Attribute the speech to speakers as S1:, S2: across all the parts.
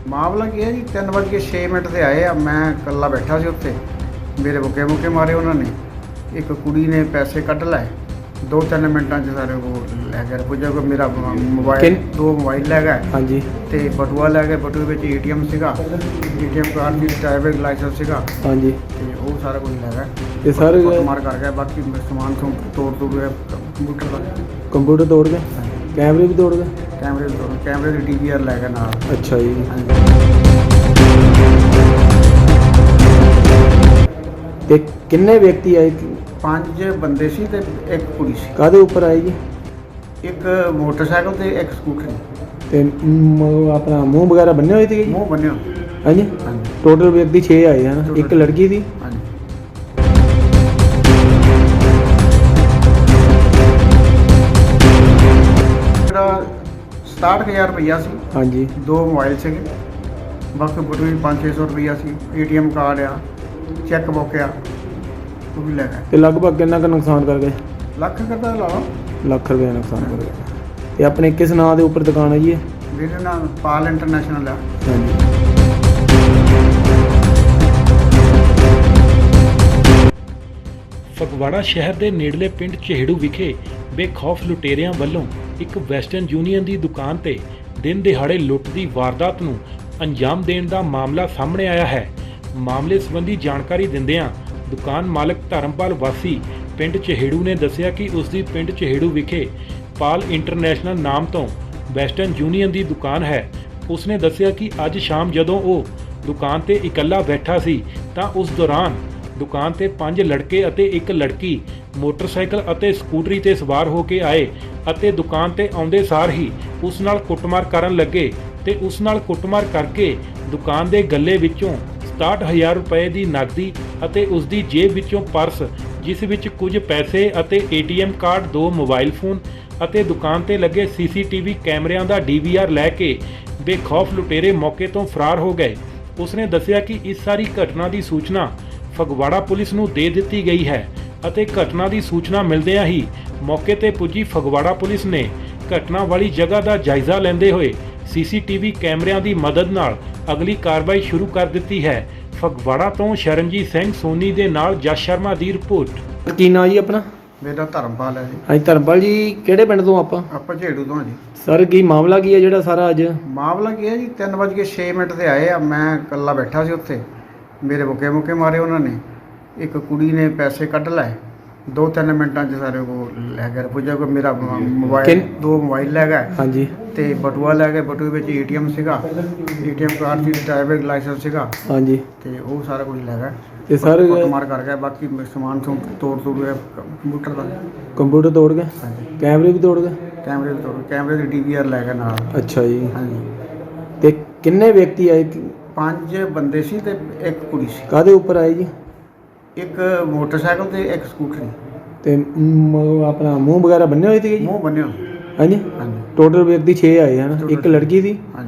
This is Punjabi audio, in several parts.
S1: ਮਾਮਲਾ ਕੀ ਹੈ ਜੀ 3:06 ਤੇ ਆਏ ਆ। ਮੈਂ ਇਕੱਲਾ ਬੈਠਾ ਸੀ ਉੱਥੇ। ਮੇਰੇ ਮੁੱਕੇ ਮਾਰੇ ਉਹਨਾਂ ਨੇ। ਇੱਕ ਕੁੜੀ ਨੇ ਪੈਸੇ ਕੱਢ ਲਏ 2-3 ਮਿੰਟਾਂ 'ਚ ਸਾਰੇ ਉਹ ਲੈ ਗਏ। ਪੁੱਜਾ ਕੋ ਮੇਰਾ ਮੋਬਾਈਲ 2 ਮੋਬਾਈਲ ਲੈ ਗਏ।
S2: ਹਾਂਜੀ।
S1: ਤੇ ਬਟੂਆ ਲੈ ਗਏ। ਬਟੂਏ ਵਿੱਚ ਏਟੀਐਮ ਸੀਗਾ, ਏਟੀਐਮ ਕਾਰਡ ਦੀ ਡਰਾਈਵਿੰਗ ਲਾਇਸੈਂਸ ਸੀਗਾ।
S2: ਹਾਂਜੀ।
S1: ਤੇ ਉਹ ਸਾਰਾ ਕੁਝ ਲੈ ਗਏ
S2: ਤੇ ਸਰ
S1: ਮਾਰ ਕਰ ਗਏ। ਬਾਕੀ ਸਮਾਨ ਤੋੜ ਗਿਆ ਕੰਪਿਊਟਰ ਦਾ।
S2: ਕੰਪਿਊਟਰ ਤੋੜ ਗਏ, ਕੈਮਰੇ ਵੀ ਤੋੜ ਗਏ।
S1: ਕੈਮਰੇ ਦੀ DVR ਲੈ ਗਏ ਨਾਲ।
S2: ਅੱਛਾ ਜੀ। ਤੇ ਕਿੰਨੇ ਵਿਅਕਤੀ ਆਏ?
S1: 5 ਬੰਦੇ ਸੀ ਤੇ ਇੱਕ ਕੁੜੀ ਸੀ।
S2: ਕਾਹਦੇ ਉੱਪਰ ਆਏ ਜੀ?
S1: ਇੱਕ ਮੋਟਰਸਾਈਕਲ ਤੇ ਇੱਕ ਸਕੂਟਰ।
S2: ਤੇ ਆਪਣਾ ਮੂੰਹ ਵਗੈਰਾ ਬੰਨੇ ਹੋਏ ਸੀਗੇ ਜੀ?
S1: ਮੂੰਹ ਬੰਨਿਆ।
S2: ਹਾਂਜੀ। ਟੋਟਲ ਵਿਅਕਤੀ 6 ਆਏ ਹਨ, ਇੱਕ ਲੜਕੀ ਸੀ।
S1: ਹਾਂਜੀ। 67,000 ਰੁਪਈਆ ਸੀ।
S2: ਹਾਂਜੀ।
S1: 2 ਮੋਬਾਈਲ ਸੀਗੇ। ਬਾਕੀ ਬਟੂਏ 500-600 ਰੁਪਈਆ ਸੀ। ATM ਕਾਰਡ ਆ, ਚੈੱਕ ਬੁੱਕ ਆ, ਉਹ ਵੀ ਲੈ ਗਏ।
S2: ਤੇ ਲਗਭਗ ਕਿੰਨਾ ਕੁ ਨੁਕਸਾਨ ਕਰ ਗਏ?
S1: ਲੱਖ ਕਰਦਾ ਲਾ ਲਓ।
S2: ਲੱਖ ਰੁਪਏ ਨੁਕਸਾਨ ਕਰ ਗਏ। ਤੇ ਆਪਣੇ ਕਿਸ ਨਾਂ ਦੇ ਉੱਪਰ ਦੁਕਾਨ ਹੈ ਜੀ ਇਹ?
S1: ਮੇਰੇ ਨਾਲ ਪਾਲ ਇੰਟਰਨੈਸ਼ਨਲ ਆ।
S2: ਹਾਂਜੀ।
S3: ਫਗਵਾੜਾ ਸ਼ਹਿਰ ਦੇ ਨੇੜਲੇ ਪਿੰਡ ਚਿਹੜੂ ਵਿਖੇ ਬੇਖੌਫ ਲੁਟੇਰਿਆਂ ਵੱਲੋਂ ਇੱਕ ਵੈਸਟਰਨ ਯੂਨੀਅਨ ਦੀ ਦੁਕਾਨ ਤੇ ਦਿਨ ਦਿਹਾੜੇ ਲੁੱਟ ਦੀ ਵਾਰਦਾਤ ਨੂੰ ਅੰਜਾਮ ਦੇਣ ਦਾ ਮਾਮਲਾ ਸਾਹਮਣੇ ਆਇਆ ਹੈ। ਮਾਮਲੇ ਸੰਬੰਧੀ ਜਾਣਕਾਰੀ ਦਿੰਦਿਆਂ ਦੁਕਾਨ ਮਾਲਕ ਧਰਮਪਾਲ ਵਾਸੀ ਪਿੰਡ ਚਿਹੜੂ ਨੇ ਦੱਸਿਆ ਕਿ ਉਸ ਦੀ ਪਿੰਡ ਚਿਹੜੂ ਵਿਖੇ ਪਾਲ ਇੰਟਰਨੈਸ਼ਨਲ ਨਾਮ ਤੋਂ ਵੈਸਟਰਨ ਯੂਨੀਅਨ ਦੀ ਦੁਕਾਨ ਹੈ। ਉਸਨੇ ਦੱਸਿਆ ਕਿ ਅੱਜ ਸ਼ਾਮ ਜਦੋਂ ਉਹ ਦੁਕਾਨ ਤੇ ਇਕੱਲਾ ਬੈਠਾ ਸੀ ਤਾਂ ਉਸ ਦੌਰਾਨ ਦੁਕਾਨ ਤੇ 5 ਲੜਕੇ ਅਤੇ ਇੱਕ ਲੜਕੀ ਮੋਟਰਸਾਈਕਲ ਅਤੇ ਸਕੂਟਰੀ ਤੇ ਸਵਾਰ ਹੋ ਕੇ ਆਏ ਅਤੇ ਦੁਕਾਨ ਤੇ ਆਉਂਦੇ ਸਾਰ ਹੀ ਉਸ ਨਾਲ ਕੁੱਟਮਾਰ ਕਰਨ ਲੱਗੇ ਤੇ ਉਸ ਨਾਲ ਕੁੱਟਮਾਰ ਕਰਕੇ ਦੁਕਾਨ ਦੇ ਗੱਲੇ ਵਿੱਚੋਂ 67,000 ਰੁਪਏ ਦੀ ਨਕਦੀ ਅਤੇ ਉਸ ਦੀ ਜੇਬ ਵਿੱਚੋਂ ਪਰਸ ਜਿਸ ਵਿੱਚ ਕੁਝ ਪੈਸੇ ਅਤੇ ATM ਕਾਰਡ 2 ਮੋਬਾਈਲ ਫੋਨ ਅਤੇ ਦੁਕਾਨ ਤੇ ਲੱਗੇ CCTV ਕੈਮਰਿਆਂ ਦਾ DVR ਲੈ ਕੇ ਬੇਖੌਫ ਲੁਟੇਰੇ ਮੌਕੇ ਤੋਂ ਫਰਾਰ ਹੋ ਗਏ। ਉਸਨੇ ਦੱਸਿਆ ਕਿ ਇਸ ਸਾਰੀ ਘਟਨਾ ਦੀ ਸੂਚਨਾ ਫਗਵਾੜਾ ਪੁਲਿਸ ਨੂੰ ਦੇ ਦਿੱਤੀ ਗਈ ਹੈ ਅਤੇ ਘਟਨਾ ਦੀ ਸੂਚਨਾ ਮਿਲਦਿਆਂ ਹੀ ਮੌਕੇ ਤੇ ਪੁੱਜੀ ਫਗਵਾੜਾ ਪੁਲਿਸ ਨੇ ਘਟਨਾ ਵਾਲੀ ਜਗ੍ਹਾ ਦਾ ਜਾਇਜ਼ਾ ਲੈਂਦੇ ਹੋਏ CCTV ਕੈਮਰਿਆਂ ਦੀ ਮਦਦ ਨਾਲ ਅਗਲੀ ਕਾਰਵਾਈ ਸ਼ੁਰੂ ਕਰ ਦਿੱਤੀ ਹੈ। ਫਗਵਾੜਾ ਤੋਂ ਸ਼ਰਨਜੀਤ ਸਿੰਘ ਸੋਨੀ ਦੇ ਨਾਲ ਜਸ ਸ਼ਰਮਾ ਦੀ ਰਿਪੋਰਟ।
S2: ਕੀ ਨਾਂ ਜੀ ਆਪਣਾ?
S1: ਮੇਰਾ ਧਰਮਪਾਲ ਹੈ ਜੀ।
S2: ਹਾਂਜੀ ਧਰਮਪਾਲ ਜੀ, ਕਿਹੜੇ ਪਿੰਡ ਤੋਂ
S1: ਆਪਾਂ ਝੇੜੂ ਤੋਂ ਜੀ।
S2: ਸਰ ਕੀ ਮਾਮਲਾ ਕੀ ਹੈ ਜਿਹੜਾ ਸਾਰਾ ਅੱਜ?
S1: ਮਾਮਲਾ ਕੀ ਹੈ ਜੀ 3:06 ਤੇ ਆਏ ਆ। ਮੈਂ ਇਕੱਲਾ ਬੈਠਾ ਸੀ ਉੱਥੇ। ਮੇਰੇ ਮੁੱਕੇ ਮਾਰੇ ਉਹਨਾਂ ਨੇ। ਇੱਕ ਕੁੜੀ ਨੇ ਪੈਸੇ ਕੱਢ ਲਏ 2-3 ਮਿੰਟਾਂ 'ਚ ਸਾਰੇ ਉਹ ਲੈ ਗਏ। ਪੁੱਜਾ ਕੋ ਮੇਰਾ ਮੋਬਾਈਲ 2 ਮੋਬਾਈਲ ਲੈ ਗਏ।
S2: ਹਾਂਜੀ।
S1: ਤੇ ਬਟੂਆ ਲੈ ਗਏ। ਬਟੂਏ ਵਿੱਚ ATM ਸੀਗਾ, ATM ਕਾਰਡ ਦੀ ਡਰਾਈਵਿੰਗ ਲਾਇਸੈਂਸ ਸੀਗਾ।
S2: ਹਾਂਜੀ।
S1: ਤੇ ਉਹ ਸਾਰਾ ਕੁਝ ਲੈ ਗਏ
S2: ਤੇ ਸਰ
S1: ਮਾਰ ਕਰ ਗਏ। ਬਾਕੀ ਸਮਾਨ ਤੋੜ ਗਿਆ ਕੰਪਿਊਟਰ ਦਾ।
S2: ਕੰਪਿਊਟਰ ਤੋੜ ਗਏ,
S1: ਹਾਂਜੀ।
S2: ਕੈਮਰੇ ਵੀ ਤੋੜ ਗਏ।
S1: ਕੈਮਰੇ ਦੀ DVR ਲੈ ਗਏ ਨਾਲ।
S2: ਅੱਛਾ ਜੀ।
S1: ਹਾਂਜੀ।
S2: ਤੇ ਕਿੰਨੇ ਵਿਅਕਤੀ ਆਏ?
S1: 5 ਬੰਦੇ ਸੀ ਤੇ ਇੱਕ ਕੁੜੀ ਸੀ।
S2: ਕਾਹਦੇ ਉੱਪਰ ਆਏ ਜੀ?
S1: ਇੱਕ ਮੋਟਰਸਾਈਕਲ ਤੇ ਇੱਕ ਸਕੂਟਰੀ।
S2: ਤੇ ਆਪਣਾ ਮੂੰਹ ਵਗੈਰਾ ਬੰਨੇ ਹੋਏ ਸੀਗੇ ਜੀ?
S1: ਮੂੰਹ ਬੰਨਿਆ।
S2: ਹਾਂਜੀ।
S1: ਹਾਂਜੀ।
S2: ਟੋਟਲ ਵਿਅਕਤੀ 6 ਆਏ ਹਨ, ਇੱਕ ਲੜਕੀ ਸੀ।
S1: ਹਾਂਜੀ।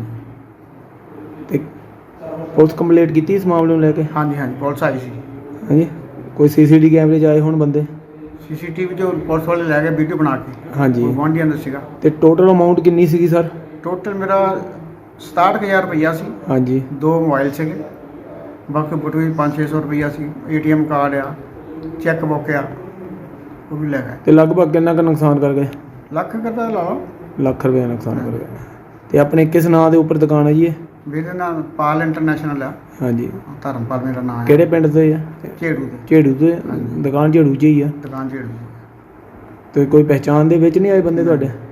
S2: ਤੇ ਪੁਲਿਸ ਕੰਪਲੀਟ ਕੀਤੀ ਇਸ ਮਾਮਲੇ ਨੂੰ ਲੈ ਕੇ?
S1: ਹਾਂਜੀ ਪੁਲਿਸ ਆਈ ਸੀ।
S2: ਹਾਂਜੀ। ਕੋਈ CCTV ਕੈਮਰੇ 'ਚ ਆਏ ਹੁਣ ਬੰਦੇ?
S1: CCTV ਜੋ ਪੁਲਿਸ ਵਾਲੇ ਲੈ ਗਏ ਵੀਡੀਓ ਬਣਾ ਕੇ।
S2: ਹਾਂਜੀ।
S1: ਗੁਆਂਢੀਆਂ ਦਾ ਸੀਗਾ।
S2: ਤੇ ਟੋਟਲ ਅਮਾਉਂਟ ਕਿੰਨੀ ਸੀਗੀ ਸਰ?
S1: ਟੋਟਲ ਮੇਰਾ 67,000 ਰੁਪਈਆ ਸੀ।
S2: ਹਾਂਜੀ।
S1: 2 ਮੋਬਾਈਲ ਸੀਗੇ। ਬਾਕੀ ਬਟੂਏ 500-600 ਰੁਪਈਆ ਸੀ। ATM ਕਾਰਡ ਆ, ਚੈੱਕ ਬੁੱਕ ਆ, ਉਹ ਵੀ ਲੈ ਗਏ।
S2: ਤੇ ਲਗਭਗ ਕਿੰਨਾ ਕੁ ਨੁਕਸਾਨ ਕਰ ਗਏ?
S1: ਲੱਖ ਕਰਦਾ ਲਾ ਲਓ।
S2: ਲੱਖ ਰੁਪਏ ਨੁਕਸਾਨ ਕਰ ਗਏ। ਤੇ ਆਪਣੇ ਕਿਸ ਨਾਂ ਦੇ ਉੱਪਰ ਦੁਕਾਨ ਹੈ ਜੀ ਇਹ?
S1: ਮੇਰੇ ਨਾਲ ਪਾਲ ਇੰਟਰਨੈਸ਼ਨਲ ਆ।
S2: ਹਾਂਜੀ।
S1: ਧਰਮਪਾਲ ਮੇਰਾ ਨਾਮ ਹੈ।
S2: ਕਿਹੜੇ ਪਿੰਡ ਤੋਂ ਹੈ?
S1: ਝੇੜੂ ਦੇ।
S2: ਝੇੜੂ ਤੋਂ। ਦੁਕਾਨ ਝੇੜੂ 'ਚ ਹੀ ਆ?
S1: ਦੁਕਾਨ ਝੇੜੂ।
S2: ਤੇ ਕੋਈ ਪਹਿਚਾਣ ਦੇ ਵਿੱਚ ਨਹੀਂ ਆਏ ਬੰਦੇ ਤੁਹਾਡੇ?